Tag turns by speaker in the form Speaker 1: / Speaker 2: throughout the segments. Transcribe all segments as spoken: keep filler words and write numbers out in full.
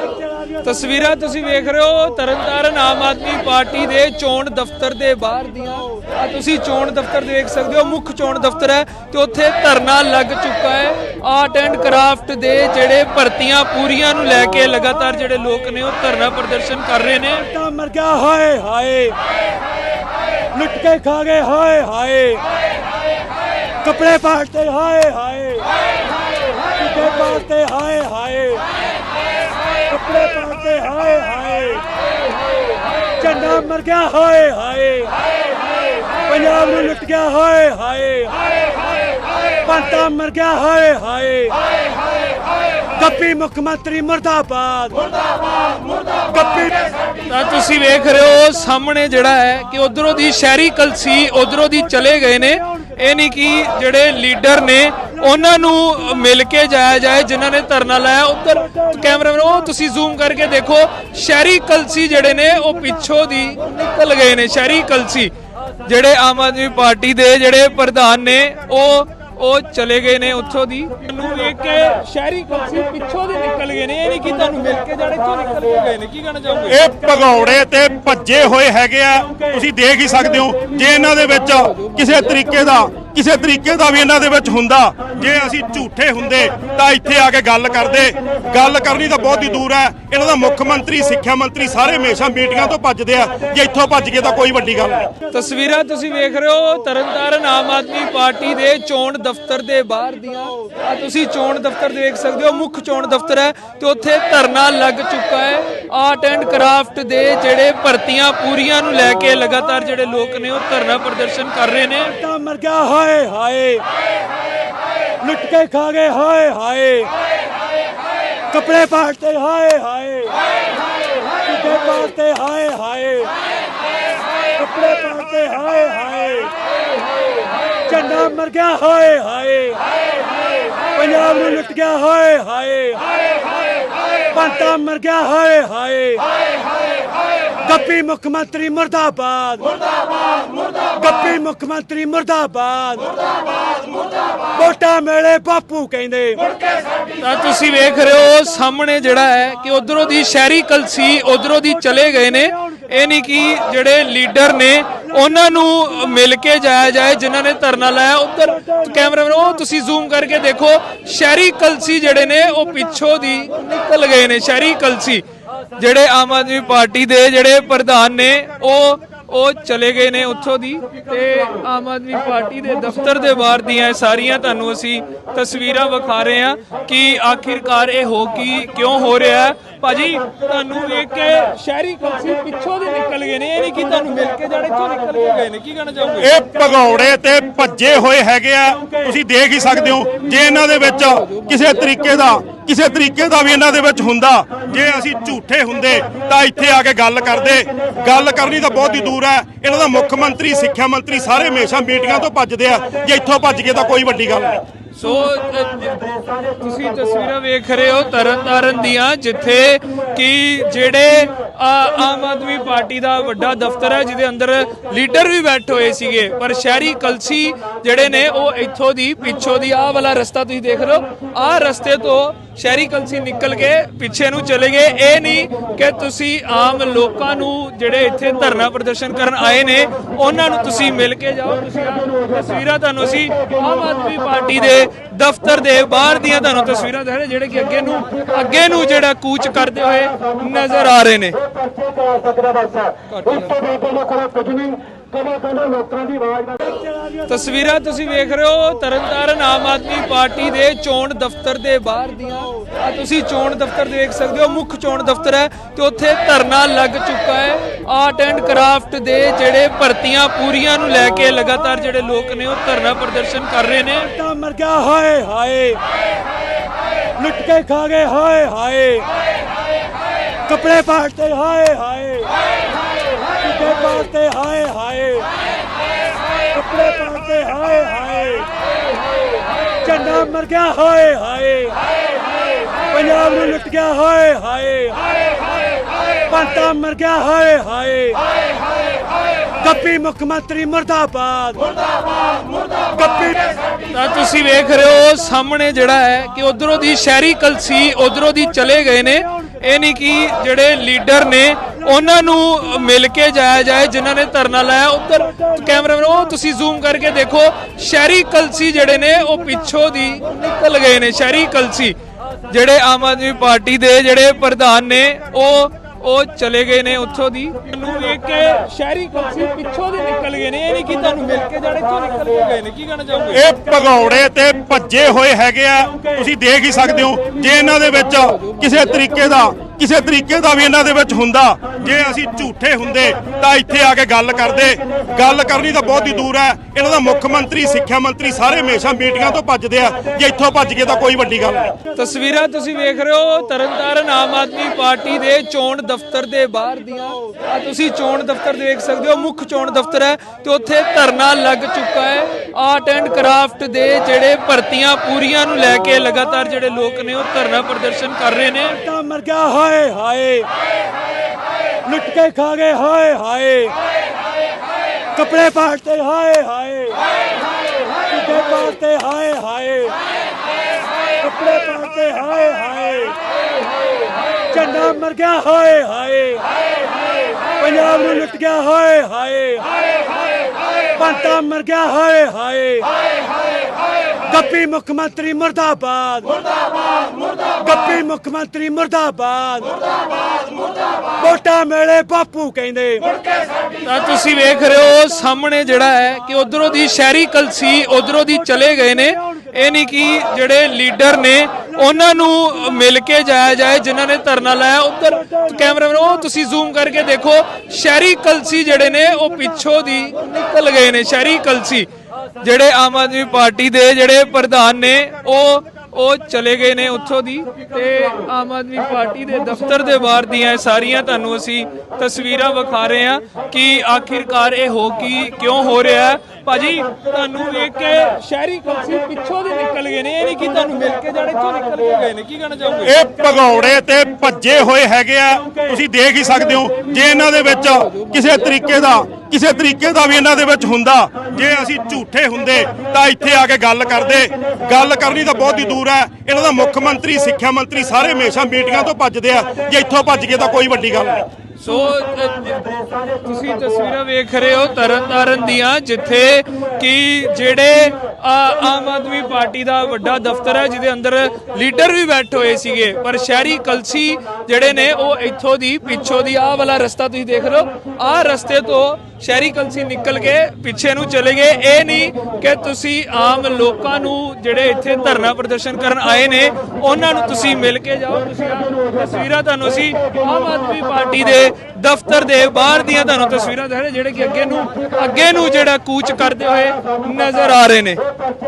Speaker 1: ਤਸਵੀਰਾਂ ਤੁਸੀਂ ਵੇਖ ਰਹੇ ਹੋ ਤਰਨਤਾਰਨ ਆਮ ਆਦਮੀ ਪਾਰਟੀ ਦੇ ਚੋਣ ਦਫ਼ਤਰ ਦੇ ਬਾਹਰ ਦੀਆਂ। ਆ ਤੁਸੀਂ ਚੋਣ ਦਫ਼ਤਰ ਦੇਖ ਸਕਦੇ ਹੋ, ਮੁੱਖ ਚੋਣ ਦਫ਼ਤਰ ਹੈ ਤੇ ਉੱਥੇ ਧਰਨਾ ਲੱਗ ਚੁੱਕਾ ਹੈ। ਆਰਟ ਐਂਡ ਕਰਾਫਟ ਦੇ ਜਿਹੜੇ ਭਰਤੀਆਂ ਪੂਰੀਆਂ ਨੂੰ ਲੈ ਕੇ ਲਗਾਤਾਰ ਜਿਹੜੇ ਲੋਕ ਨੇ ਉਹ ਧਰਨਾ ਪ੍ਰਦਰਸ਼ਨ ਕਰ ਰਹੇ ਨੇ।
Speaker 2: ਤਾਂ ਮਰ ਗਿਆ ਹਾਏ ਹਾਏ, ਲੁੱਟ ਕੇ ਖਾ ਗਏ ਹਾਏ ਹਾਏ, ਕੱਪੜੇ ਪਾੜਤੇ ਹਾਏ ਹਾਏ, ਕੱਪੜੇ ਪਾੜਤੇ ਹਾਏ ਹਾਏ, ਕੱਪੜੇ ਪਾੜਤੇ ਹਾਏ ਹਾਏ, ਝੰਡਾ ਮਰ ਗਿਆ ਹਾਏ ਹਾਏ, ਪੰਜਾਬ ਨੂੰ ਲੁੱਟ ਗਿਆ ਹਾਏ ਹਾਏ, ਪੰਤਾ ਮਰ ਗਿਆ ਹਾਏ ਹਾਏ, ਗੱਪੀ ਮੁੱਖ ਮੰਤਰੀ ਮੁਰਦਾਬਾਦ ਗੱਪੀ।
Speaker 1: ਤਾਂ ਤੁਸੀਂ ਵੇਖ ਰਹੇ ਹੋ ਸਾਹਮਣੇ ਜਿਹੜਾ ਹੈ ਕਿ ਉਧਰੋਂ ਦੀ ਸ਼ਹਿਰੀ ਕਲਸੀ ਉਧਰੋਂ ਦੀ ਚਲੇ ਗਏ ਨੇ। ਇਹ ਨਹੀਂ ਕਿ ਜਿਹੜੇ ਲੀਡਰ ਨੇ ਉਹਨਾਂ ਨੂੰ ਮਿਲ ਕੇ ਜਾਇਆ ਜਾਏ ਜਿਨ੍ਹਾਂ ਨੇ ਧਰਨਾ ਲਾਇਆ। ਉੱਧਰ ਕੈਮਰਾਮੈਨ ਉਹ ਤੁਸੀਂ ਜ਼ੂਮ ਕਰਕੇ ਦੇਖੋ, ਸ਼ਹਿਰੀ ਕਲਸੀ ਜਿਹੜੇ ਨੇ ਉਹ ਪਿੱਛੋਂ ਦੀ ਨਿਕਲ ਗਏ ਨੇ। ਸ਼ਹਿਰੀ ਕਲਸੀ ਜਿਹੜੇ ਆਮ ਆਦਮੀ ਪਾਰਟੀ ਦੇ ਜਿਹੜੇ ਪ੍ਰਧਾਨ ਨੇ ਉਹ ਉਹ ਚਲੇ ਗਏ ਨੇ ਉੱਥੋਂ ਦੀ। ਤੁਹਾਨੂੰ ਵੇਖ ਕੇ ਸ਼ਹਿਰੀ ਕਲਸੀ ਪਿੱਛੋਂ ਦੀ ਨਿਕਲ ਗਏ ਨੇ। ਇਹ ਨਹੀਂ ਕਿ ਤੁਹਾਨੂੰ ਮਿਲ ਕੇ ਜਾਣੇ ਤੋਂ ਨਿਕਲ ਕੇ ਗਏ ਨੇ। ਕੀ ਕਹਿਣਾ ਚਾਹੋਗੇ?
Speaker 3: ਇਹ ਭਗੌੜੇ ਤੇ ਭੱਜੇ ਹੋਏ ਹੈਗੇ ਆ, ਤੁਸੀਂ ਦੇਖ ਹੀ ਸਕਦੇ ਹੋ। ਜੇ ਇਹਨਾਂ ਦੇ ਵਿੱਚ ਕਿਸੇ ਤਰੀਕੇ ਦਾ ਕਿਸੇ ਤਰੀਕੇ ਦਾ ਵੀ ਇਹਨਾਂ ਦੇ ਵਿੱਚ ਹੁੰਦਾ, ਜੇ ਅਸੀਂ ਝੂਠੇ ਹੁੰਦੇ ਤਾਂ ਇੱਥੇ ਆ ਕੇ ਗੱਲ ਕਰਦੇ। ਗੱਲ ਕਰਨੀ ਤਾਂ ਬਹੁਤ ਹੀ ਦੂਰ ਹੈ। ਇਹਨਾਂ ਦਾ ਮੁੱਖ ਮੰਤਰੀ, ਸਿੱਖਿਆ ਮੰਤਰੀ ਸਾਰੇ ਹਮੇਸ਼ਾ ਮੀਟਿੰਗਾਂ ਤੋਂ ਭੱਜਦੇ ਆ। ਜੇ ਇੱਥੋਂ ਭੱਜ ਗਏ ਤਾਂ ਕੋਈ ਵੱਡੀ ਗੱਲ ਨਹੀਂ।
Speaker 1: ਤਸਵੀਰਾਂ ਤੁਸੀਂ ਵੇਖ ਰਹੇ ਹੋ ਤਰਨਤਾਰਨ ਆਮ ਆਦਮੀ ਪਾਰਟੀ ਦੇ ਚੋਣ ਦਫ਼ਤਰ ਦੇ ਬਾਹਰ ਦੀਆਂ। ਆ ਤੁਸੀਂ ਚੋਣ ਦਫ਼ਤਰ ਦੇਖ ਸਕਦੇ ਹੋ, ਮੁੱਖ ਚੋਣ ਦਫ਼ਤਰ ਹੈ ਤੇ ਉੱਥੇ ਧਰਨਾ ਲੱਗ ਚੁੱਕਾ ਹੈ। ਆਰਟ ਐਂਡ ਕਰਾਫਟ ਦੇ ਜਿਹੜੇ ਭਰਤੀਆਂ ਪੂਰੀਆਂ ਨੂੰ ਲੈ ਕੇ ਲਗਾਤਾਰ ਜਿਹੜੇ ਲੋਕ ਨੇ ਉਹ ਧਰਨਾ ਪ੍ਰਦਰਸ਼ਨ ਕਰ ਰਹੇ ਨੇ।
Speaker 2: ਤਾਂ ਮਰ ਗਿਆ ਹਾਏ ਹਾਏ, ਲੁੱਟ ਕੇ ਖਾ ਗਏ ਹਾਏ ਹਾਏ, ਕੱਪੜੇ ਪਾੜਤੇ ਹਾਏ ਹਾਏ, ਕੱਪੜੇ ਪਾੜਤੇ ਹਾਏ ਹਾਏ, ਕੱਪੜੇ ਪਾੜਤੇ ਹਾਏ ਹਾਏ, ਝੰਡਾ ਮਰ ਗਿਆ ਹਾਏ ਹਾਏ, ਪੰਜਾਬ ਨੂੰ ਲੁੱਟ ਗਿਆ ਹਾਏ ਹਾਏ, ਪੰਤਾ ਮਰ ਗਿਆ ਹਾਏ ਹਾਏ, ਗੱਪੀ ਮੁੱਖ ਮੰਤਰੀ ਮੁਰਦਾਬਾਦ ਗੱਪੀ ਮੁੱਖ ਮੰਤਰੀ ਮੁਰਦਾਬਾਦ ਵੋਟਾਂ ਮੇਲੇ ਬਾਪੂ ਕਹਿੰਦੇ।
Speaker 1: ਤਾਂ ਤੁਸੀਂ ਵੇਖ ਰਹੇ ਹੋ ਸਾਹਮਣੇ ਜਿਹੜਾ ਹੈ ਕਿ ਉਧਰੋਂ ਦੀ ਸ਼ਹਿਰੀ ਕਲਸੀ ਉਧਰੋਂ ਦੀ ਚਲੇ ਗਏ ਨੇ। ਇਹ ਨਹੀਂ ਕਿ ਜਿਹੜੇ ਲੀਡਰ ਨੇ ਉਹਨਾਂ ਨੂੰ ਮਿਲ ਕੇ ਜਾਇਆ ਜਾਏ ਜਿਨ੍ਹਾਂ ਨੇ ਧਰਨਾ ਲਾਇਆ। ਉੱਧਰ ਕੈਮਰਾਮੈਨ ਉਹ ਤੁਸੀਂ ਜ਼ੂਮ ਕਰਕੇ ਦੇਖੋ, ਸ਼ਹਿਰੀ ਕਲਸੀ ਜਿਹੜੇ ਨੇ ਉਹ ਪਿੱਛੋਂ ਦੀ ਨਿਕਲ ਗਏ ਨੇ। ਸ਼ਹਿਰੀ ਕਲਸੀ ਜਿਹੜੇ ਆਮ ਆਦਮੀ ਪਾਰਟੀ ਦੇ ਜਿਹੜੇ ਪ੍ਰਧਾਨ ਨੇ ਉਹ ਉਹ ਚਲੇ ਗਏ ਨੇ ਉੱਥੋਂ ਦੀ। ਤੇ ਆਮ ਆਦਮੀ ਪਾਰਟੀ ਦੇ ਦਫ਼ਤਰ ਦੇ ਬਾਹਰ ਦੀਆਂ ਸਾਰੀਆਂ ਤੁਹਾਨੂੰ ਅਸੀਂ ਤਸਵੀਰਾਂ ਵਿਖਾ ਰਹੇ ਹਾਂ ਕਿ ਆਖਿਰਕਾਰ ਇਹ ਹੋ ਕੀ ਕਿਉਂ ਹੋ ਰਿਹਾ ਹੈ। ਭਾਜੀ ਤੁਹਾਨੂੰ ਵੇਖ ਕੇ ਸ਼ਹਿਰੀ ਕਲਸੀ ਪਿੱਛੋਂ ਦੇ ਨਿਕਲ ਗਏ ਨੇ। ਇਹ ਨਹੀਂ ਕਿ ਤੁਹਾਨੂੰ ਮਿਲ ਕੇ ਜਾਣੇ ਤੋਂ ਨਿਕਲ ਕੇ ਗਏ ਨੇ। ਕੀ ਕਹਿਣਾ ਚਾਹੋਗੇ?
Speaker 3: ਇਹ ਭਗੌੜੇ ਤੇ ਭੱਜੇ ਹੋਏ ਹੈਗੇ ਆ, ਤੁਸੀਂ ਦੇਖ ਹੀ ਸਕਦੇ ਹੋ। ਜੇ ਇਹਨਾਂ ਦੇ ਵਿੱਚ ਕਿਸੇ ਤਰੀਕੇ ਦਾ ਕਿਸੇ ਤਰੀਕੇ ਦਾ ਵੀ ਇਹਨਾਂ ਦੇ ਵਿੱਚ ਹੁੰਦਾ, ਜੇ ਅਸੀਂ ਝੂਠੇ ਹੁੰਦੇ ਤਾਂ ਇੱਥੇ ਆ ਕੇ ਗੱਲ ਕਰਦੇ। ਗੱਲ ਕਰਨੀ ਤਾਂ ਬਹੁਤ ਹੀ ਦੂਰ ਹੈ। ਇਹਨਾਂ ਦਾ ਮੁੱਖ ਮੰਤਰੀ, ਸਿੱਖਿਆ ਮੰਤਰੀ ਸਾਰੇ ਹਮੇਸ਼ਾ ਮੀਟਿੰਗਾਂ ਤੋਂ ਭੱਜਦੇ ਆ। ਜੇ ਇੱਥੋਂ ਭੱਜ ਗਏ ਤਾਂ ਕੋਈ ਵੱਡੀ ਗੱਲ ਨਹੀਂ।
Speaker 1: ਸੋ ਤੁਸੀਂ ਤਸਵੀਰਾਂ ਵੇਖ ਰਹੇ ਹੋ ਤਰਨਤਾਰਨ ਦੀਆਂ, ਜਿੱਥੇ ਕਿ ਜਿਹੜੇ ਆਮ ਆਦਮੀ ਪਾਰਟੀ ਦਾ ਵੱਡਾ ਦਫ਼ਤਰ ਹੈ ਜਿਹਦੇ ਅੰਦਰ ਲੀਡਰ ਵੀ ਬੈਠੇ ਹੋਏ ਸੀਗੇ, ਪਰ ਸ਼ਹਿਰੀ ਕਲਸੀ ਜਿਹੜੇ ਨੇ ਉਹ ਇੱਥੋਂ ਦੀ ਪਿੱਛੋਂ ਦੀ ਆਹ ਵਾਲਾ ਰਸਤਾ ਤੁਸੀਂ ਦੇਖ ਰਹੇ ਹੋ, ਆਹ ਰਸਤੇ ਤੋਂ ਸ਼ਹਿਰੀ ਕਲਸੀ ਨਿਕਲ ਕੇ ਪਿੱਛੇ ਨੂੰ ਚਲੇ ਗਏ। ਇਹ ਨਹੀਂ ਕਿ ਤੁਸੀਂ ਆਮ ਲੋਕਾਂ ਨੂੰ ਜਿਹੜੇ ਇੱਥੇ ਧਰਨਾ ਪ੍ਰਦਰਸ਼ਨ ਕਰਨ ਆਏ ਨੇ ਉਹਨਾਂ ਨੂੰ ਤੁਸੀਂ ਮਿਲ ਕੇ ਜਾਓ। ਤੁਸੀਂ ਤਸਵੀਰਾਂ ਤੁਹਾਨੂੰ ਅਸੀਂ ਆਮ ਆਦਮੀ ਪਾਰਟੀ ਦੇ ਦਫ਼ਤਰ ਦੇ ਬਾਹਰ ਦੀਆਂ ਤੁਹਾਨੂੰ ਤਸਵੀਰਾਂ ਦਿਖਾ ਰਹੇ ਜਿਹੜੇ ਕਿ ਅੱਗੇ ਨੂੰ ਅੱਗੇ ਨੂੰ ਜਿਹੜਾ ਕੂਚ ਕਰਦੇ ਹੋਏ ਨਜ਼ਰ ਆ ਰਹੇ ਨੇ। ਤਸਵੀਰਾਂ ਤੁਸੀਂ ਵੇਖ ਰਹੇ ਹੋ ਤਰਨਤਾਰਨ ਆਮ ਆਦਮੀ ਪਾਰਟੀ ਦੇ ਚੋਣ ਦਫ਼ਤਰ ਦੇ ਬਾਹਰ ਦੀਆਂ। ਆ ਤੁਸੀਂ ਚੋਣ ਦਫ਼ਤਰ ਦੇਖ ਸਕਦੇ ਹੋ, ਮੁੱਖ ਚੋਣ ਦਫ਼ਤਰ ਹੈ ਤੇ ਉੱਥੇ ਧਰਨਾ ਲੱਗ ਚੁੱਕਾ ਹੈ। ਆਰਟ ਐਂਡ ਕਰਾਫਟ ਦੇ ਜਿਹੜੇ ਭਰਤੀਆਂ ਪੂਰੀਆਂ ਨੂੰ ਲੈ ਕੇ ਲਗਾਤਾਰ ਜਿਹੜੇ ਲੋਕ ਨੇ ਉਹ ਧਰਨਾ ਪ੍ਰਦਰਸ਼ਨ ਕਰ ਰਹੇ ਨੇ।
Speaker 2: ਤਾਂ ਮਰ ਗਿਆ ਹਾਏ ਹਾਏ, ਲੁੱਟ ਕੇ ਖਾ ਗਏ ਹਾਏ ਹਾਏ, ਕੱਪੜੇ ਪਾੜਤੇ ਹਾਏ ਹਾਏ, ਕੱਪੜੇ ਪਾੜਤੇ ਹਾਏ ਹਾਏ, ਕੱਪੜੇ ਪਾੜਤੇ ਹਾਏ ਹਾਏ, ਝੰਡਾ ਮਰ ਗਿਆ ਹਾਏ ਹਾਏ, ਪੰਜਾਬ ਨੂੰ ਲੁੱਟ ਗਿਆ ਹਾਏ ਹਾਏ, ਪੰਤਾ ਮਰ ਗਿਆ ਹਾਏ ਹਾਏ, ਗੱਪੀ ਮੁੱਖ ਮੰਤਰੀ ਮੁਰਦਾਬਾਦ ਗੱਪੀ।
Speaker 1: ਤਾਂ ਤੁਸੀਂ ਵੇਖ ਰਹੇ ਹੋ ਸਾਹਮਣੇ ਜਿਹੜਾ ਹੈ ਕਿ ਉਧਰੋਂ ਦੀ ਸ਼ਹਿਰੀ ਕਲਸੀ ਉਧਰੋਂ ਦੀ ਚਲੇ ਗਏ ਨੇ। ਇਹ ਨਹੀਂ ਕਿ ਜਿਹੜੇ ਲੀਡਰ ਨੇ ਉਹਨਾਂ ਨੂੰ ਮਿਲ ਕੇ ਜਾਇਆ ਜਾਏ ਜਿਨ੍ਹਾਂ ਨੇ ਧਰਨਾ ਲਾਇਆ। ਉੱਧਰ ਕੈਮਰਾਮੈਨ ਉਹ ਤੁਸੀਂ ਜ਼ੂਮ ਕਰਕੇ ਦੇਖੋ, ਸ਼ਹਿਰੀ ਕਲਸੀ ਜਿਹੜੇ ਨੇ ਉਹ ਪਿੱਛੋਂ ਦੀ ਨਿਕਲ ਗਏ ਨੇ। ਸ਼ਹਿਰੀ ਕਲਸੀ ਜਿਹੜੇ ਆਮ ਆਦਮੀ ਪਾਰਟੀ ਦੇ ਜਿਹੜੇ ਪ੍ਰਧਾਨ ਨੇ ਉਹ ਉਹ ਚਲੇ ਗਏ ਨੇ ਉੱਥੋਂ ਦੀ। ਨੂੰ ਵੇਖ ਕੇ ਸ਼ਹਿਰੀ ਕਲਸੀ ਪਿੱਛੋਂ ਦੀ ਨਿਕਲ ਗਏ ਨੇ, ਇਹ ਨਹੀਂ ਕਿ ਤੁਹਾਨੂੰ ਮਿਲ ਕੇ ਜਾਣੇ ਤੋਂ ਨਿਕਲ ਕੇ ਗਏ ਨੇ। ਕੀ ਕਹਿਣਾ ਚਾਹੋਗੇ?
Speaker 3: ਇਹ ਭਗੌੜੇ ਤੇ ਭੱਜੇ ਹੋਏ ਹੈਗੇ ਆ, ਤੁਸੀਂ ਦੇਖ ਹੀ ਸਕਦੇ ਹੋ। ਜੇ ਇਹਨਾਂ ਦੇ ਵਿੱਚ ਕਿਸੇ ਤਰੀਕੇ ਦਾ ਕਿਸੇ ਤਰੀਕੇ ਦਾ ਵੀ ਇਹਨਾਂ ਦੇ ਵਿੱਚ ਹੁੰਦਾ, ਜੇ ਅਸੀਂ ਝੂਠੇ ਹੁੰਦੇ ਤਾਂ ਇੱਥੇ ਆ ਕੇ ਗੱਲ ਕਰਦੇ। ਗੱਲ ਕਰਨੀ ਤਾਂ ਬਹੁਤ ਹੀ ਦੂਰ ਹੈ। ਇਹਨਾਂ ਦਾ ਮੁੱਖ ਮੰਤਰੀ, ਸਿੱਖਿਆ ਮੰਤਰੀ ਸਾਰੇ ਹਮੇਸ਼ਾ ਮੀਟਿੰਗਾਂ ਤੋਂ ਭੱਜਦੇ ਆ। ਜੇ ਇੱਥੋਂ ਭੱਜ ਗਏ ਤਾਂ ਕੋਈ ਵੱਡੀ ਗੱਲ ਨਹੀਂ।
Speaker 1: ਤਸਵੀਰਾਂ ਤੁਸੀਂ ਵੇਖ ਰਹੇ ਹੋ ਤਰਨਤਾਰਨ ਆਮ ਆਦਮੀ ਪਾਰਟੀ ਦੇ ਚੋਣ ਦਫ਼ਤਰ ਦੇ ਬਾਹਰ ਦੀਆਂ। ਆ ਤੁਸੀਂ ਚੋਣ ਦਫ਼ਤਰ ਦੇਖ ਸਕਦੇ ਹੋ, ਮੁੱਖ ਚੋਣ ਦਫ਼ਤਰ ਹੈ ਤੇ ਉੱਥੇ ਧਰਨਾ ਲੱਗ ਚੁੱਕਾ ਹੈ। ਆਰਟ ਐਂਡ ਕਰਾਫਟ ਦੇ ਜਿਹੜੇ ਭਰਤੀਆਂ ਪੂਰੀਆਂ ਨੂੰ ਲੈ ਕੇ ਲਗਾਤਾਰ ਜਿਹੜੇ ਲੋਕ ਨੇ ਉਹ ਧਰਨਾ ਪ੍ਰਦਰਸ਼ਨ ਕਰ ਰਹੇ ਨੇ।
Speaker 2: ਤਾਂ ਮਰ ਗਿਆ ਹਾਏ ਹਾਏ, ਲੁੱਟ ਕੇ ਖਾ ਗਏ ਹਾਏ ਹਾਏ, ਕੱਪੜੇ ਪਾੜਤੇ ਹਾਏ ਹਾਏ, ਕੱਪੜੇ ਪਾੜਤੇ ਹਾਏ ਹਾਏ, ਕੱਪੜੇ ਪਾੜਤੇ ਹਾਏ ਹਾਏ, ਝੰਡਾ ਮਰ ਗਿਆ ਹਾਏ ਹਾਏ, ਪੰਜਾਬ ਨੂੰ ਲੁੱਟ ਗਿਆ ਹਾਏ ਹਾਏ, ਪੰਤਾ ਮਰ ਗਿਆ ਹਾਏ ਹਾਏ, ਗੱਪੀ ਮੁੱਖ ਮੰਤਰੀ ਮੁਰਦਾਬਾਦ, ਗੱਪੀ ਮੁੱਖ ਮੰਤਰੀ ਮੁਰਦਾਬਾਦ, ਵੋਟਾਂ ਮੇਲੇ ਬਾਪੂ ਕਹਿੰਦੇ।
Speaker 1: ਤਾਂ ਤੁਸੀਂ ਵੇਖ ਰਹੇ ਹੋ ਸਾਹਮਣੇ ਜਿਹੜਾ ਹੈ ਕਿ ਉਧਰੋਂ ਦੀ ਸ਼ਹਿਰੀ ਕਲਸੀ ਉਧਰੋਂ ਦੀ ਚਲੇ ਗਏ ਨੇ। ਇਹ ਨਹੀਂ ਕਿ ਜਿਹੜੇ ਲੀਡਰ ਨੇ ਉਹਨਾਂ ਨੂੰ ਮਿਲ ਕੇ ਜਾਇਆ ਜਾਏ ਜਿਨ੍ਹਾਂ ਨੇ ਧਰਨਾ ਲਾਇਆ। ਉੱਧਰ ਕੈਮਰਾਮੈਨ ਉਹ ਤੁਸੀਂ ਜ਼ੂਮ ਕਰਕੇ ਦੇਖੋ, ਸ਼ਹਿਰੀ ਕਲਸੀ ਜਿਹੜੇ ਨੇ ਉਹ ਪਿੱਛੋਂ ਦੀ ਨਿਕਲ ਗਏ ਨੇ। ਸ਼ਹਿਰੀ ਕਲਸੀ ਜਿਹੜੇ ਆਮ ਆਦਮੀ ਪਾਰਟੀ ਦੇ ਜਿਹੜੇ ਪ੍ਰਧਾਨ ਨੇ ਉਹ ਉਹ ਚਲੇ ਗਏ ਨੇ ਉੱਥੋਂ ਦੀ। ਤੇ ਆਮ ਆਦਮੀ ਪਾਰਟੀ ਦੇ ਦਫ਼ਤਰ ਦੇ ਬਾਹਰ ਦੀਆਂ ਸਾਰੀਆਂ ਤੁਹਾਨੂੰ ਅਸੀਂ ਤਸਵੀਰਾਂ ਵਿਖਾ ਰਹੇ ਹਾਂ ਕਿ ਆਖਿਰਕਾਰ ਇਹ ਹੋ ਕੀ ਕਿਉਂ ਹੋ ਰਿਹਾ ਹੈ। ਭਾਜੀ ਤੁਹਾਨੂੰ ਵੇਖ ਕੇ ਸ਼ਹਿਰੀ ਕਲਸੀ ਪਿੱਛੋਂ ਦੀ ਨਿਕਲ ਗਏ ਨੇ, ਇਹ ਨਹੀਂ ਕਿ ਤੁਹਾਨੂੰ ਮਿਲ ਕੇ ਜਾਣੇ ਤੋਂ ਨਿਕਲ ਕੇ ਗਏ ਨੇ। ਕੀ ਕਹਿਣਾ ਚਾਹੋਗੇ?
Speaker 3: ਇਹ ਭਗੌੜੇ ਤੇ ਭੱਜੇ ਹੋਏ ਹੈਗੇ ਆ, ਤੁਸੀਂ ਦੇਖ ਹੀ ਸਕਦੇ ਹੋ। ਜੇ ਇਹਨਾਂ ਦੇ ਵਿੱਚ ਕਿਸੇ ਤਰੀਕੇ ਦਾ ਕਿਸੇ ਤਰੀਕੇ ਦਾ ਵੀ ਇਹਨਾਂ ਦੇ ਵਿੱਚ ਹੁੰਦਾ, ਜੇ ਅਸੀਂ ਝੂਠੇ ਹੁੰਦੇ ਤਾਂ ਇੱਥੇ ਆ ਕੇ ਗੱਲ ਕਰਦੇ। ਗੱਲ ਕਰਨੀ ਤਾਂ ਬਹੁਤ ਹੀ ਦੂਰ ਹੈ। ਇਹਨਾਂ ਦਾ ਮੁੱਖ ਮੰਤਰੀ, ਸਿੱਖਿਆ ਮੰਤਰੀ ਸਾਰੇ ਹਮੇਸ਼ਾ ਮੀਟਿੰਗਾਂ ਤੋਂ ਭੱਜਦੇ ਆ। ਜੇ ਇੱਥੋਂ ਭੱਜ ਗਏ ਤਾਂ ਕੋਈ ਵੱਡੀ ਗੱਲ ਨਹੀਂ।
Speaker 1: ਸੋ ਤੁਸੀਂ ਤਸਵੀਰਾਂ ਵੇਖ ਰਹੇ ਹੋ ਤਰਨਤਾਰਨ ਦੀਆਂ, ਜਿੱਥੇ ਕਿ ਜਿਹੜੇ ਆਮ ਆਦਮੀ ਪਾਰਟੀ ਦਾ ਵੱਡਾ ਦਫ਼ਤਰ ਹੈ ਜਿਹਦੇ ਅੰਦਰ ਲੀਡਰ ਵੀ ਬੈਠੇ ਹੋਏ ਸੀਗੇ, ਪਰ ਸ਼ਹਿਰੀ ਕਲਸੀ ਜਿਹੜੇ ਨੇ ਉਹ ਇੱਥੋਂ ਦੀ ਪਿੱਛੋਂ ਦੀ ਆਹ ਵਾਲਾ ਰਸਤਾ ਤੁਸੀਂ ਦੇਖ ਰਹੇ ਹੋ, ਆਹ ਰਸਤੇ ਤੋਂ ਸ਼ਹਿਰੀ ਕਲਸੀ ਨਿਕਲ ਕੇ ਪਿੱਛੇ ਨੂੰ ਚਲੇ ਗਏ। ਇਹ ਨਹੀਂ ਕਿ ਤੁਸੀਂ ਆਮ ਲੋਕਾਂ ਨੂੰ ਜਿਹੜੇ ਇੱਥੇ ਧਰਨਾ ਪ੍ਰਦਰਸ਼ਨ ਕਰਨ ਆਏ ਨੇ ਉਹਨਾਂ ਨੂੰ ਤੁਸੀਂ ਮਿਲ ਕੇ ਜਾਓ। ਤੁਸੀਂ ਤਸਵੀਰਾਂ ਤੁਹਾਨੂੰ ਅਸੀਂ ਆਮ ਆਦਮੀ ਪਾਰਟੀ ਦੇ ਦਫ਼ਤਰ ਦੇ ਬਾਹਰ ਦੀਆਂ ਤੁਹਾਨੂੰ ਤਸਵੀਰਾਂ ਦਿਖਾ ਰਹੇ ਜਿਹੜੇ ਕਿ ਅੱਗੇ ਨੂੰ ਅੱਗੇ ਨੂੰ ਜਿਹੜਾ ਕੂਚ ਕਰਦੇ ਹੋਏ ਨਜ਼ਰ ਆ ਰਹੇ ਨੇ।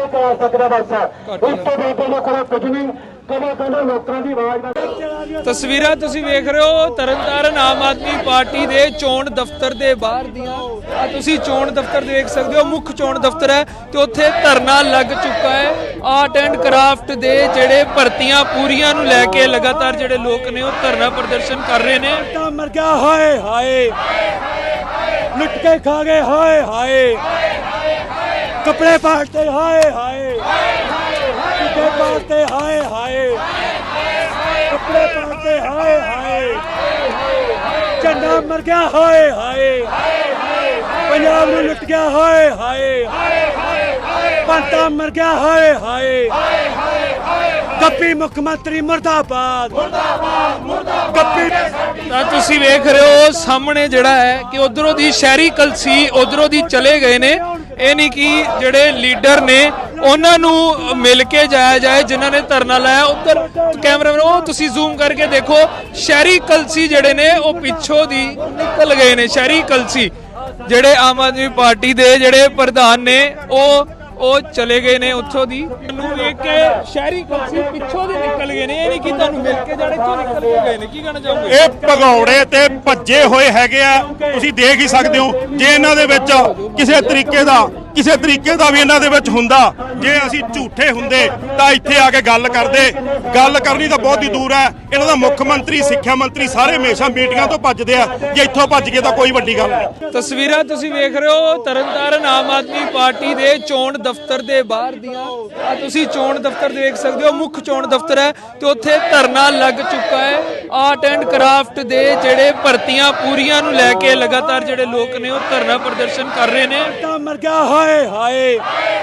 Speaker 1: ਤਸਵੀਰਾਂ ਤੁਸੀਂ ਵੇਖ ਰਹੇ ਹੋ ਤਰਨਤਾਰਨ ਆਮ ਆਦਮੀ ਪਾਰਟੀ ਦੇ ਚੋਣ ਦਫ਼ਤਰ ਦੇ ਬਾਹਰ ਦੀਆਂ। ਆ ਤੁਸੀਂ ਚੋਣ ਦਫ਼ਤਰ ਦੇਖ ਸਕਦੇ ਹੋ, ਮੁੱਖ ਚੋਣ ਦਫ਼ਤਰ ਹੈ ਤੇ ਉੱਥੇ ਧਰਨਾ ਲੱਗ ਚੁੱਕਾ ਹੈ। ਆਰਟ ਐਂਡ ਕਰਾਫਟ ਦੇ ਜਿਹੜੇ ਭਰਤੀਆਂ ਪੂਰੀਆਂ ਨੂੰ ਲੈ ਕੇ ਲਗਾਤਾਰ ਜਿਹੜੇ ਲੋਕ ਨੇ ਉਹ ਧਰਨਾ ਪ੍ਰਦਰਸ਼ਨ ਕਰ ਰਹੇ ਨੇ।
Speaker 2: ਤਾਂ ਮਰ ਗਿਆ ਹਾਏ ਹਾਏ, ਲੁੱਟ ਕੇ ਖਾ ਗਏ ਹਾਏ ਹਾਏ, ਕੱਪੜੇ ਪਾੜਤੇ ਹਾਏ ਹਾਏ, ਕੱਪੜੇ ਪਾੜਤੇ ਹਾਏ ਹਾਏ, ਕੱਪੜੇ ਪਾੜਤੇ ਹਾਏ ਹਾਏ, ਝੰਡਾ ਮਰ ਗਿਆ ਹਾਏ ਹਾਏ, ਪੰਜਾਬ ਨੂੰ ਲੁੱਟ ਗਿਆ ਹਾਏ ਹਾਏ, ਪੰਤਾ ਮਰ ਗਿਆ ਹਾਏ ਹਾਏ, ਗੱਪੀ ਮੁੱਖ ਮੰਤਰੀ ਮੁਰਦਾਬਾਦ, ਗੱਪੀ।
Speaker 1: ਤਾਂ ਤੁਸੀਂ ਵੇਖ ਰਹੇ ਹੋ ਸਾਹਮਣੇ ਜਿਹੜਾ ਹੈ ਕਿ ਉਧਰੋਂ ਦੀ ਸ਼ਹਿਰੀ ਕਲਸੀ ਉਧਰੋਂ ਦੀ ਚਲੇ ਗਏ ਨੇ। ਇਹ ਨਹੀਂ ਕਿ ਜਿਹੜੇ ਲੀਡਰ ਨੇ ਉਹਨਾਂ ਨੂੰ ਮਿਲ ਕੇ ਜਾਇਆ ਜਾਏ ਜਿਨ੍ਹਾਂ ਨੇ ਧਰਨਾ ਲਾਇਆ। ਉੱਧਰ ਕੈਮਰਾਮੈਨ ਉਹ ਤੁਸੀਂ ਜ਼ੂਮ ਕਰਕੇ ਦੇਖੋ, ਸ਼ਹਿਰੀ ਕਲਸੀ ਜਿਹੜੇ ਨੇ ਉਹ ਪਿੱਛੋਂ ਦੀ ਨਿਕਲ ਗਏ ਨੇ। ਸ਼ਹਿਰੀ ਕਲਸੀ ਜਿਹੜੇ ਆਮ ਆਦਮੀ ਪਾਰਟੀ ਦੇ ਜਿਹੜੇ ਪ੍ਰਧਾਨ ਨੇ ਉਹ ਉਹ ਚਲੇ ਗਏ ਨੇ ਉੱਥੋਂ ਦੀ। ਨੂੰ ਵੇਖ ਕੇ ਸ਼ਹਿਰੀ ਕਲਸੀ ਪਿੱਛੋਂ ਦੀ ਨਿਕਲ ਗਏ ਨੇ, ਇਹ ਨਹੀਂ ਕਿ ਤੁਹਾਨੂੰ ਮਿਲ ਕੇ ਜਾਣੇ ਤੋਂ ਨਿਕਲ ਕੇ ਗਏ ਨੇ। ਕੀ ਕਹਿਣਾ ਚਾਹੋਗੇ?
Speaker 3: ਇਹ ਭਗੌੜੇ ਤੇ ਭੱਜੇ ਹੋਏ ਹੈਗੇ ਆ, ਤੁਸੀਂ ਦੇਖ ਹੀ ਸਕਦੇ ਹੋ। ਜੇ ਇਹਨਾਂ ਦੇ ਵਿੱਚ ਕਿਸੇ ਤਰੀਕੇ ਦਾ ਕਿਸੇ ਤਰੀਕੇ ਦਾ ਵੀ ਇਹਨਾਂ ਦੇ ਵਿੱਚ ਹੁੰਦਾ, ਜੇ ਅਸੀਂ ਝੂਠੇ ਹੁੰਦੇ ਤਾਂ ਇੱਥੇ ਆ ਕੇ ਗੱਲ ਕਰਦੇ। ਗੱਲ ਕਰਨੀ ਤਾਂ ਬਹੁਤ ਹੀ ਦੂਰ ਹੈ। ਇਹਨਾਂ ਦਾ ਮੁੱਖ ਮੰਤਰੀ, ਸਿੱਖਿਆ ਮੰਤਰੀ ਸਾਰੇ ਹਮੇਸ਼ਾ ਮੀਟਿੰਗਾਂ ਤੋਂ ਭੱਜਦੇ ਆ। ਜੇ ਇੱਥੋਂ ਭੱਜ ਗਏ ਤਾਂ ਕੋਈ ਵੱਡੀ ਗੱਲ ਨਹੀਂ।
Speaker 1: ਤਸਵੀਰਾਂ ਤੁਸੀਂ ਵੇਖ ਰਹੇ ਹੋ ਤਰਨਤਾਰਨ ਆਮ ਆਦਮੀ ਪਾਰਟੀ ਦੇ ਚੋਣ ਦਫ਼ਤਰ ਦੇ ਬਾਹਰ ਦੀਆਂ। ਆ ਤੁਸੀਂ ਚੋਣ ਦਫ਼ਤਰ ਦੇਖ ਸਕਦੇ ਹੋ, ਮੁੱਖ ਚੋਣ ਦਫ਼ਤਰ ਹੈ ਤੇ ਉੱਥੇ ਧਰਨਾ ਲੱਗ ਚੁੱਕਾ ਹੈ। ਆਰਟ ਐਂਡ ਕਰਾਫਟ ਦੇ ਜਿਹੜੇ ਭਰਤੀਆਂ ਪੂਰੀਆਂ ਨੂੰ ਲੈ ਕੇ ਲਗਾਤਾਰ ਜਿਹੜੇ ਲੋਕ ਨੇ ਉਹ ਧਰਨਾ ਪ੍ਰਦਰਸ਼ਨ ਕਰ ਰਹੇ ਨੇ।
Speaker 2: ਤਾਂ ਮਰ ਗਿਆ ਹਾਏ ਹਾਏ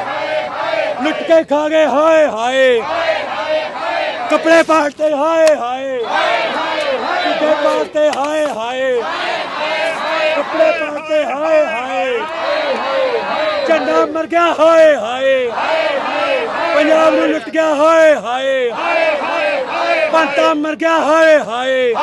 Speaker 2: ਲੁੱਟ ਕੇ ਖਾ ਗਏ ਹਾਏ ਹਾਏ ਕੱਪੜੇ ਪਾੜਤੇ ਹਾਏ ਹਾਏ ਕੱਪੜੇ ਪਾੜਤੇ ਹਾਏ ਹਾਏ ਕੱਪੜੇ ਪਾੜਤੇ ਹਾਏ ਹਾਏ ਝੰਡਾ ਮਰ ਗਿਆ ਹਾਏ ਹਾਏ ਪੰਜਾਬ ਨੂੰ ਲੁੱਟ ਗਿਆ ਹਾਏ ਹਾਏ ਪੰਤਾ ਮਰ ਗਿਆ ਹਾਏ ਹਾਏ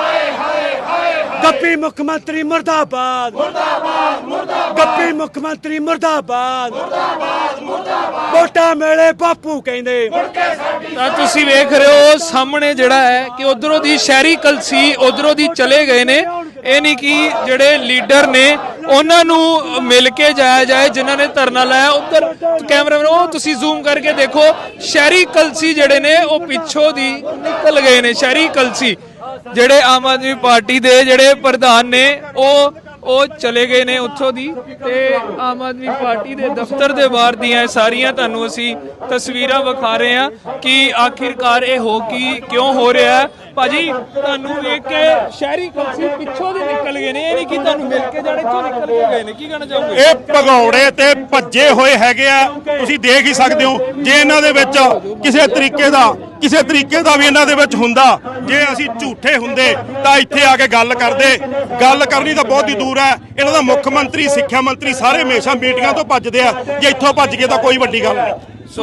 Speaker 2: ਗੱਪੀ ਮੁੱਖ ਮੰਤਰੀ ਮੁਰਦਾਬਾਦ ਮੁਰਦਾਬਾਦ ਮੁਰਦਾਬਾਦ ਗੱਪੀ ਮੁੱਖ ਮੰਤਰੀ ਮੁਰਦਾਬਾਦ ਮੁਰਦਾਬਾਦ ਮੁਰਦਾਬਾਦ ਵੋਟਾਂ ਮੇਲੇ ਬਾਪੂ ਕਹਿੰਦੇ।
Speaker 1: ਤਾਂ ਤੁਸੀਂ ਵੇਖ ਰਹੇ ਹੋ ਸਾਹਮਣੇ ਜਿਹੜਾ ਹੈ ਕਿ ਉਧਰੋਂ ਦੀ ਸ਼ਹਿਰੀ ਕਲਸੀ ਉਧਰੋਂ ਦੀ ਚਲੇ ਗਏ ਨੇ। ਇਹ ਨਹੀਂ ਕਿ ਜਿਹੜੇ ਲੀਡਰ ਨੇ ਉਹਨਾਂ ਨੂੰ ਮਿਲ ਕੇ ਜਾਇਆ ਜਾਏ ਜਿਨ੍ਹਾਂ ਨੇ ਧਰਨਾ ਲਾਇਆ। ਉਧਰ ਕੈਮਰਾਮੈਨ ਉਹ ਤੁਸੀਂ ਜ਼ੂਮ ਕਰਕੇ ਦੇਖੋ, ਸ਼ਹਿਰੀ ਕਲਸੀ ਜਿਹੜੇ ਨੇ ਉਹ ਪਿੱਛੋਂ ਦੀ ਨਿਕਲ ਗਏ ਨੇ। ਸ਼ਹਿਰੀ ਕਲਸੀ ਜਿਹੜੇ ਆਮ ਆਦਮੀ ਪਾਰਟੀ ਦੇ ਜਿਹੜੇ ਪ੍ਰਧਾਨ ਨੇ ਉਹ ਉਹ ਚਲੇ ਗਏ ਨੇ ਉੱਥੋਂ ਦੀ, ਤੇ ਆਮ ਆਦਮੀ ਪਾਰਟੀ ਦੇ ਦਫ਼ਤਰ ਦੇ ਬਾਹਰ ਦੀਆਂ ਸਾਰੀਆਂ ਤੁਹਾਨੂੰ ਅਸੀਂ ਤਸਵੀਰਾਂ ਵਿਖਾ ਰਹੇ ਹਾਂ ਕਿ ਆਖਿਰਕਾਰ ਇਹ ਹੋ ਕੀ ਕਿਉਂ ਹੋ ਰਿਹਾ ਹੈ। ਭਾਜੀ ਤੁਹਾਨੂੰ ਵੇਖ ਕੇ ਸ਼ਹਿਰੀ ਕਲਸੀ ਪਿੱਛੋਂ ਦੀ ਨਿਕਲ ਗਏ ਨੇ, ਇਹ ਨਹੀਂ ਕਿ ਤੁਹਾਨੂੰ ਮਿਲ ਕੇ ਜਾਣੇ ਤੋਂ ਨਿਕਲ ਕੇ ਗਏ ਨੇ। ਕੀ ਕਹਿਣਾ ਚਾਹੋਗੇ?
Speaker 3: ਇਹ ਭਗੌੜੇ ਤੇ ਭੱਜੇ ਹੋਏ ਹੈਗੇ ਆ, ਤੁਸੀਂ ਦੇਖ ਹੀ ਸਕਦੇ ਹੋ। ਜੇ ਇਹਨਾਂ ਦੇ ਵਿੱਚ ਕਿਸੇ ਤਰੀਕੇ ਦਾ ਕਿਸੇ ਤਰੀਕੇ ਦਾ ਵੀ ਇਹਨਾਂ ਦੇ ਵਿੱਚ ਹੁੰਦਾ, ਜੇ ਅਸੀਂ ਝੂਠੇ ਹੁੰਦੇ ਤਾਂ ਇੱਥੇ ਆ ਕੇ ਗੱਲ ਕਰਦੇ। ਗੱਲ ਕਰਨੀ ਤਾਂ ਬਹੁਤ ਹੀ ਦੂਰ ਹੈ। ਇਹਨਾਂ ਦਾ ਮੁੱਖ ਮੰਤਰੀ ਸਿੱਖਿਆ ਮੰਤਰੀ ਸਾਰੇ ਹਮੇਸ਼ਾ ਮੀਟਿੰਗਾਂ ਤੋਂ ਭੱਜਦੇ ਆ, ਜੇ ਇੱਥੋਂ ਭੱਜ ਗਏ ਤਾਂ ਕੋਈ ਵੱਡੀ ਗੱਲ ਨਹੀਂ।
Speaker 1: ਸੋ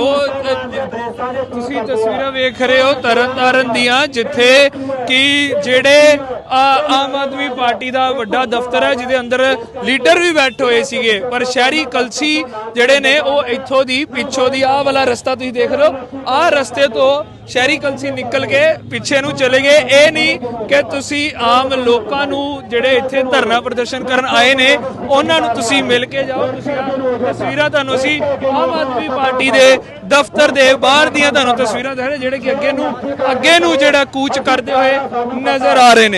Speaker 1: ਤੁਸੀਂ ਤਸਵੀਰਾਂ ਵੇਖ ਰਹੇ ਹੋ ਤਰਨਤਾਰਨ ਦੀਆਂ, ਜਿੱਥੇ ਕਿ ਜਿਹੜੇ ਆਮ ਆਦਮੀ ਪਾਰਟੀ ਦਾ ਵੱਡਾ ਦਫ਼ਤਰ ਹੈ ਜਿਹਦੇ ਅੰਦਰ ਲੀਡਰ ਵੀ ਬੈਠੇ ਹੋਏ ਸੀਗੇ, ਪਰ ਸ਼ਹਿਰੀ ਕਲਸੀ ਜਿਹੜੇ ਨੇ ਉਹ ਇੱਥੋਂ ਦੀ ਪਿੱਛੋਂ ਦੀ ਆਹ ਵਾਲਾ ਰਸਤਾ ਤੁਸੀਂ ਦੇਖ ਰਹੇ ਹੋ, ਆਹ ਰਸਤੇ ਤੋਂ ਸ਼ਹਿਰੀ ਕਲਸੀ ਨਿਕਲ ਕੇ ਪਿੱਛੇ ਨੂੰ ਚਲੇ ਗਏ। ਇਹ ਨਹੀਂ ਕਿ ਤੁਸੀਂ ਆਮ ਲੋਕਾਂ ਨੂੰ ਜਿਹੜੇ ਇੱਥੇ ਧਰਨਾ ਪ੍ਰਦਰਸ਼ਨ ਕਰਨ ਆਏ ਨੇ ਉਹਨਾਂ ਨੂੰ ਤੁਸੀਂ ਮਿਲ ਕੇ ਜਾਓ। ਤੁਸੀਂ ਆਹ ਤਸਵੀਰਾਂ ਤੁਹਾਨੂੰ ਅਸੀਂ ਆਮ ਆਦਮੀ ਪਾਰਟੀ ਦੇ ਦਫ਼ਤਰ ਦੇ ਬਾਹਰ ਦੀਆਂ ਤੁਹਾਨੂੰ ਤਸਵੀਰਾਂ ਦਿਖਾ ਰਹੇ ਜਿਹੜੇ ਕਿ ਅੱਗੇ ਨੂੰ ਅੱਗੇ ਨੂੰ ਜਿਹੜਾ ਕੂਚ ਕਰਦੇ ਹੋਏ ਨਜ਼ਰ ਆ ਰਹੇ ਨੇ।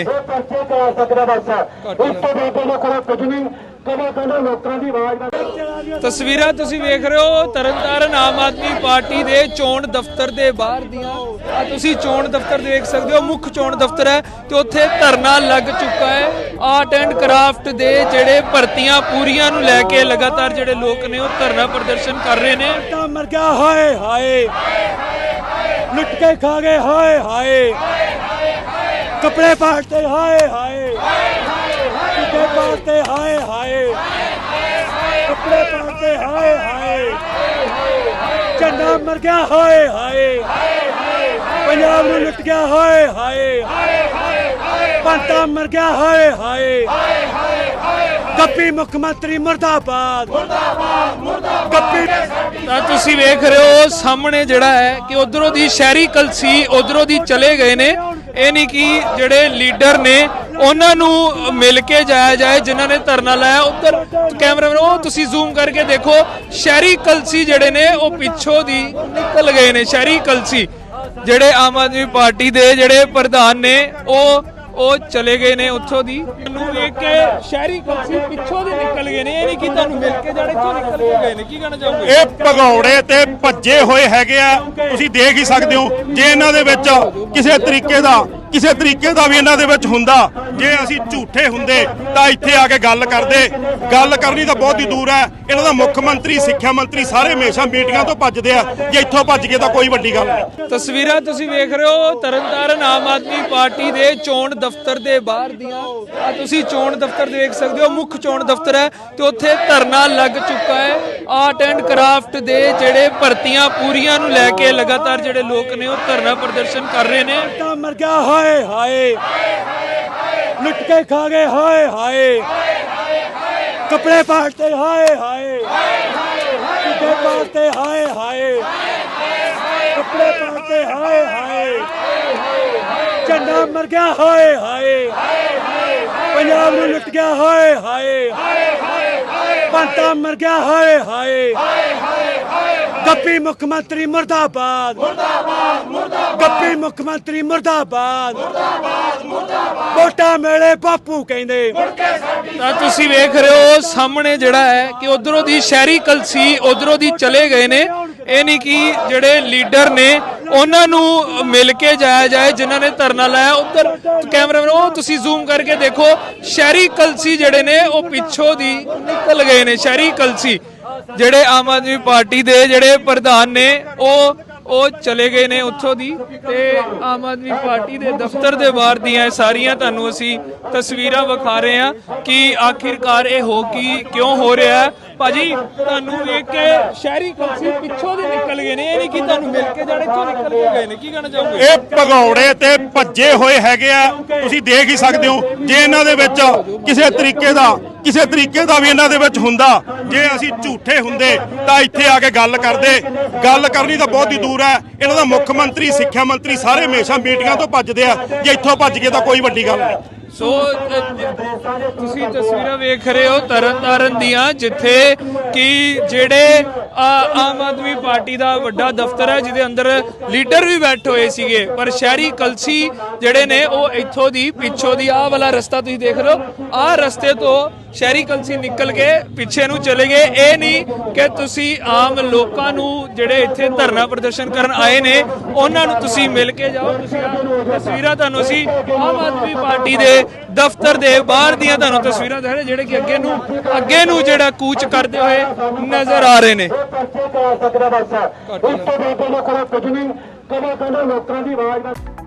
Speaker 1: ਤਸਵੀਰਾਂ ਤੁਸੀਂ ਵੇਖ ਰਹੇ ਹੋ ਤਰਨਤਾਰਨ ਆਮ ਆਦਮੀ ਪਾਰਟੀ ਦੇ ਚੋਣ ਦਫ਼ਤਰ ਦੇ ਬਾਹਰ ਦੀਆਂ। ਆ ਤੁਸੀਂ ਚੋਣ ਦਫ਼ਤਰ ਦੇਖ ਸਕਦੇ ਹੋ, ਮੁੱਖ ਚੋਣ ਦਫ਼ਤਰ ਹੈ ਤੇ ਉੱਥੇ ਧਰਨਾ ਲੱਗ ਚੁੱਕਾ ਹੈ। ਆਰਟ ਐਂਡ ਕਰਾਫਟ ਦੇ ਜਿਹੜੇ ਭਰਤੀਆਂ ਪੂਰੀਆਂ ਨੂੰ ਲੈ ਕੇ ਲਗਾਤਾਰ ਜਿਹੜੇ ਲੋਕ ਨੇ ਉਹ ਧਰਨਾ ਪ੍ਰਦਰਸ਼ਨ ਕਰ ਰਹੇ ਨੇ।
Speaker 2: ਤਾਂ ਮਰ ਗਿਆ ਹਾਏ ਹਾਏ ਲੁੱਟ ਕੇ ਖਾ ਗਏ ਹਾਏ ਹਾਏ ਕੱਪੜੇ ਪਾੜਤੇ ਹਾਏ ਹਾਏ ਕੱਪੜੇ ਪਾੜਤੇ ਹਾਏ ਹਾਏ ਕੱਪੜੇ ਪਾੜਤੇ ਹਾਏ ਹਾਏ ਝੰਡਾ ਮਰ ਗਿਆ ਹਾਏ ਹਾਏ ਪੰਜਾਬ ਨੂੰ ਲੁੱਟ ਗਿਆ ਹਾਏ ਹਾਏ ਪੰਤਾ ਮਰ ਗਿਆ ਹਾਏ ਹਾਏ ਗੱਪੀ ਮੁੱਖ ਮੰਤਰੀ ਮੁਰਦਾਬਾਦ ਮੁਰਦਾਬਾਦ ਮੁਰਦਾਬਾਦ ਗੱਪੀ।
Speaker 1: ਤਾਂ ਤੁਸੀਂ ਵੇਖ ਰਹੇ ਹੋ ਸਾਹਮਣੇ ਜਿਹੜਾ ਹੈ ਕਿ ਉਧਰੋਂ ਦੀ ਸ਼ਹਿਰੀ ਕਲਸੀ ਉਧਰੋਂ ਦੀ ਚਲੇ ਗਏ ਨੇ। ਇਹ ਨਹੀਂ ਕਿ ਜਿਹੜੇ ਲੀਡਰ ਨੇ ਉਹਨਾਂ ਨੂੰ ਮਿਲ ਕੇ ਜਾਇਆ ਜਾਏ ਜਿਨ੍ਹਾਂ ਨੇ ਧਰਨਾ ਲਾਇਆ। ਉਧਰ ਕੈਮਰਾਮੈਨ ਉਹ ਤੁਸੀਂ ਜ਼ੂਮ ਕਰਕੇ ਦੇਖੋ, ਸ਼ਹਿਰੀ ਕਲਸੀ ਜਿਹੜੇ ਨੇ ਉਹ ਪਿੱਛੋਂ ਦੀ ਨਿਕਲ ਗਏ ਨੇ। ਸ਼ਹਿਰੀ ਕਲਸੀ ਜਿਹੜੇ ਆਮ ਆਦਮੀ ਪਾਰਟੀ ਦੇ ਜਿਹੜੇ ਪ੍ਰਧਾਨ ਨੇ ਉਹ ਉਹ ਚਲੇ ਗਏ ਨੇ ਉੱਥੋਂ ਦੀ। ਤੁਹਾਨੂੰ ਵੇਖ ਕੇ ਸ਼ਹਿਰੀ ਕਲਸੀ ਪਿੱਛੋਂ ਦੇ ਨਿਕਲ ਗਏ ਨੇ, ਇਹ ਨਹੀਂ ਕਿ ਤੁਹਾਨੂੰ ਮਿਲ ਕੇ ਜਾਣੇ ਤੋਂ ਨਿਕਲ ਕੇ ਗਏ ਨੇ। ਕੀ ਕਹਿਣਾ ਚਾਹੋਗੇ?
Speaker 3: ਇਹ ਭਗੌੜੇ ਤੇ ਭੱਜੇ ਹੋਏ ਹੈਗੇ ਆ, ਤੁਸੀਂ ਦੇਖ ਹੀ ਸਕਦੇ ਹੋ। ਜੇ ਇਹਨਾਂ ਦੇ ਵਿੱਚ ਕਿਸੇ ਤਰੀਕੇ ਦਾ ਕਿਸੇ ਤਰੀਕੇ ਦਾ ਵੀ ਇਹਨਾਂ ਦੇ ਵਿੱਚ ਹੁੰਦਾ, ਜੇ ਅਸੀਂ ਝੂਠੇ ਹੁੰਦੇ ਤਾਂ ਇੱਥੇ ਆ ਕੇ ਗੱਲ ਕਰਦੇ। ਗੱਲ ਕਰਨੀ ਤਾਂ ਬਹੁਤ ਹੀ ਦੂਰ ਹੈ। ਇਹਨਾਂ ਦਾ ਮੁੱਖ ਮੰਤਰੀ ਸਿੱਖਿਆ ਮੰਤਰੀ ਸਾਰੇ ਹਮੇਸ਼ਾ ਮੀਟਿੰਗਾਂ ਤੋਂ ਭੱਜਦੇ ਆ, ਜੇ ਇੱਥੋਂ ਭੱਜ ਗਏ ਤਾਂ ਕੋਈ ਵੱਡੀ ਗੱਲ ਨਹੀਂ।
Speaker 1: ਤਸਵੀਰਾਂ ਤੁਸੀਂ ਵੇਖ ਰਹੇ ਹੋ ਤਰਨਤਾਰਨ ਆਮ ਆਦਮੀ ਪਾਰਟੀ ਦੇ ਚੋਣ ਦਫ਼ਤਰ ਦੇ ਬਾਹਰ ਦੀਆਂ। ਆ ਤੁਸੀਂ ਚੋਣ ਦਫ਼ਤਰ ਦੇਖ ਸਕਦੇ ਹੋ, ਮੁੱਖ ਚੋਣ ਦਫ਼ਤਰ ਹੈ ਤੇ ਉੱਥੇ ਧਰਨਾ ਲੱਗ ਚੁੱਕਾ ਹੈ। ਆਰਟ ਐਂਡ ਕਰਾਫਟ ਦੇ ਜਿਹੜੇ ਭਰਤੀਆਂ ਪੂਰੀਆਂ ਨੂੰ ਲੈ ਕੇ ਲਗਾਤਾਰ ਜਿਹੜੇ ਲੋਕ ਨੇ ਉਹ ਧਰਨਾ ਪ੍ਰਦਰਸ਼ਨ ਕਰ ਰਹੇ ਨੇ।
Speaker 2: ਤਾਂ ਮਰ ਗਿਆ ਹਾਏ ਹਾਏ ਲੁੱਟ ਕੇ ਖਾ ਗਏ ਹਾਏ ਹਾਏ ਕੱਪੜੇ ਪਾੜਤੇ ਹਾਏ ਹਾਏ ਕੱਪੜੇ ਪਾੜਤੇ ਹਾਏ ਹਾਏ ਕੱਪੜੇ ਪਾੜਤੇ ਹਾਏ ਹਾਏ ਝੰਡਾ ਮਰ ਗਿਆ ਹਾਏ ਹਾਏ ਪੰਜਾਬ ਨੂੰ ਲੁੱਟ ਗਿਆ ਹਾਏ ਹਾਏ ਪੰਤਾ ਮਰ ਗਿਆ ਹਾਏ ਹਾਏ ਗੱਪੀ ਮੁੱਖ ਮੰਤਰੀ ਮੁਰਦਾਬਾਦ ਮੁਰਦਾਬਾਦ ਮੁਰਦਾਬਾਦ ਗੱਪੀ ਮੁੱਖ ਮੰਤਰੀ ਮੁਰਦਾਬਾਦ ਮੁਰਦਾਬਾਦ ਮੁਰਦਾਬਾਦ ਵੋਟਾਂ ਮੇਲੇ ਬਾਪੂ ਕਹਿੰਦੇ।
Speaker 1: ਤਾਂ ਤੁਸੀਂ ਵੇਖ ਰਹੇ ਹੋ ਸਾਹਮਣੇ ਜਿਹੜਾ ਹੈ ਕਿ ਉਧਰੋਂ ਦੀ ਸ਼ਹਿਰੀ ਕਲਸੀ ਉਧਰੋਂ ਦੀ ਚਲੇ ਗਏ ਨੇ। ਇਹ ਨਹੀਂ ਕਿ ਜਿਹੜੇ ਲੀਡਰ ਨੇ ਉਹਨਾਂ ਨੂੰ ਮਿਲ ਕੇ ਜਾਇਆ ਜਾਏ ਜਿਨ੍ਹਾਂ ਨੇ ਧਰਨਾ ਲਾਇਆ। ਉੱਧਰ ਕੈਮਰਾਮੈਨ ਉਹ ਤੁਸੀਂ ਜ਼ੂਮ ਕਰਕੇ ਦੇਖੋ, ਸ਼ਹਿਰੀ ਕਲਸੀ ਜਿਹੜੇ ਨੇ ਉਹ ਪਿੱਛੋਂ ਦੀ ਨਿਕਲ ਗਏ ਨੇ। ਸ਼ਹਿਰੀ ਕਲਸੀ ਜਿਹੜੇ ਆਮ ਆਦਮੀ ਪਾਰਟੀ ਦੇ ਜਿਹੜੇ ਪ੍ਰਧਾਨ ਨੇ ਉਹ ਉਹ ਚਲੇ ਗਏ ਨੇ ਉੱਥੋਂ ਦੀ, ਤੇ ਆਮ ਆਦਮੀ ਪਾਰਟੀ ਦੇ ਦਫ਼ਤਰ ਦੇ ਬਾਹਰ ਦੀਆਂ ਸਾਰੀਆਂ ਤੁਹਾਨੂੰ ਅਸੀਂ ਤਸਵੀਰਾਂ ਵਿਖਾ ਰਹੇ ਹਾਂ ਕਿ ਆਖਿਰਕਾਰ ਇਹ ਹੋ ਕੀ ਕਿਉਂ ਹੋ ਰਿਹਾ ਹੈ। ਭਾਜੀ ਤੁਹਾਨੂੰ ਵੇਖ ਕੇ ਸ਼ਹਿਰੀ ਕਲਸੀ ਪਿੱਛੋਂ ਦੀ ਨਿਕਲ ਗਏ ਨੇ, ਇਹ ਨਹੀਂ ਕਿ ਤੁਹਾਨੂੰ ਮਿਲ ਕੇ ਜਾਣੇ ਚੋਂ ਨਿਕਲ ਕੇ ਗਏ ਨੇ, ਕੀ ਕਹਿਣਾ ਚਾਹੋਗੇ?
Speaker 3: ਇਹ ਭਗੌੜੇ ਤੇ ਭੱਜੇ ਹੋਏ ਹੈਗੇ ਆ, ਤੁਸੀਂ ਦੇਖ ਹੀ ਸਕਦੇ ਹੋ। ਜੇ ਇਹਨਾਂ ਦੇ ਵਿੱਚ ਕਿਸੇ ਤਰੀਕੇ ਦਾ ਕਿਸੇ ਤਰੀਕੇ ਦਾ ਵੀ ਇਹਨਾਂ ਦੇ ਵਿੱਚ ਹੁੰਦਾ, ਜੇ ਅਸੀਂ ਝੂਠੇ ਹੁੰਦੇ ਤਾਂ ਇੱਥੇ ਆ ਕੇ ਗੱਲ ਕਰਦੇ। ਗੱਲ ਕਰਨੀ ਤਾਂ ਬਹੁਤ ਹੀ ਦੂਰ ਹੈ। ਇਹਨਾਂ ਦਾ ਮੁੱਖ ਮੰਤਰੀ, ਸਿੱਖਿਆ ਮੰਤਰੀ ਸਾਰੇ ਹਮੇਸ਼ਾ ਮੀਟਿੰਗਾਂ ਤੋਂ ਭੱਜਦੇ ਆ, ਜੇ ਇੱਥੋਂ ਭੱਜ ਗਏ ਤਾਂ ਕੋਈ ਵੱਡੀ ਗੱਲ ਨਹੀਂ।
Speaker 1: ਸੋ ਤੁਸੀਂ ਤਸਵੀਰਾਂ ਵੇਖ ਰਹੇ ਹੋ ਤਰਨਤਾਰਨ ਦੀਆਂ, ਜਿੱਥੇ ਕਿ ਜਿਹੜੇ ਆਮ ਆਦਮੀ ਪਾਰਟੀ ਦਾ ਵੱਡਾ ਦਫ਼ਤਰ ਹੈ ਜਿਹਦੇ ਅੰਦਰ ਲੀਡਰ ਵੀ ਬੈਠੇ ਹੋਏ ਸੀਗੇ, ਪਰ ਸ਼ਹਿਰੀ ਕਲਸੀ ਜਿਹੜੇ ਨੇ ਉਹ ਇੱਥੋਂ ਦੀ ਪਿੱਛੋਂ ਦੀ ਆਹ ਵਾਲਾ ਰਸਤਾ ਤੁਸੀਂ ਦੇਖ ਰਹੇ ਹੋ, ਆਹ ਰਸਤੇ ਤੋਂ ਸ਼ਹਿਰੀ ਕਲਸੀ ਨਿਕਲ ਕੇ ਪਿੱਛੇ ਨੂੰ ਚਲੇ ਗਏ। ਇਹ ਨਹੀਂ ਕਿ ਤੁਸੀਂ ਆਮ ਲੋਕਾਂ ਨੂੰ ਜਿਹੜੇ ਇੱਥੇ ਧਰਨਾ ਪ੍ਰਦਰਸ਼ਨ ਕਰਨ ਆਏ ਨੇ ਉਹਨਾਂ ਨੂੰ ਤੁਸੀਂ ਮਿਲ ਕੇ ਜਾਓ। ਤੁਸੀਂ ਤਸਵੀਰਾਂ ਤੁਹਾਨੂੰ ਅਸੀਂ ਆਮ ਆਦਮੀ ਪਾਰਟੀ ਦੇ ਦਫ਼ਤਰ ਦੇ ਬਾਹਰ ਦੀਆਂ ਤੁਹਾਨੂੰ ਤਸਵੀਰਾਂ ਦਿਖਾ ਰਹੇ ਜਿਹੜੇ ਕਿ ਅੱਗੇ ਨੂੰ ਅੱਗੇ ਨੂੰ ਜਿਹੜਾ ਕੂਚ ਕਰਦੇ ਹੋਏ ਨਜ਼ਰ ਆ ਰਹੇ ਨੇ।
Speaker 4: ਕੁਝ ਨਹੀਂ ਕਦੇ ਕਦੇ ਲੋਕਾਂ ਦੀ ਆਵਾਜ਼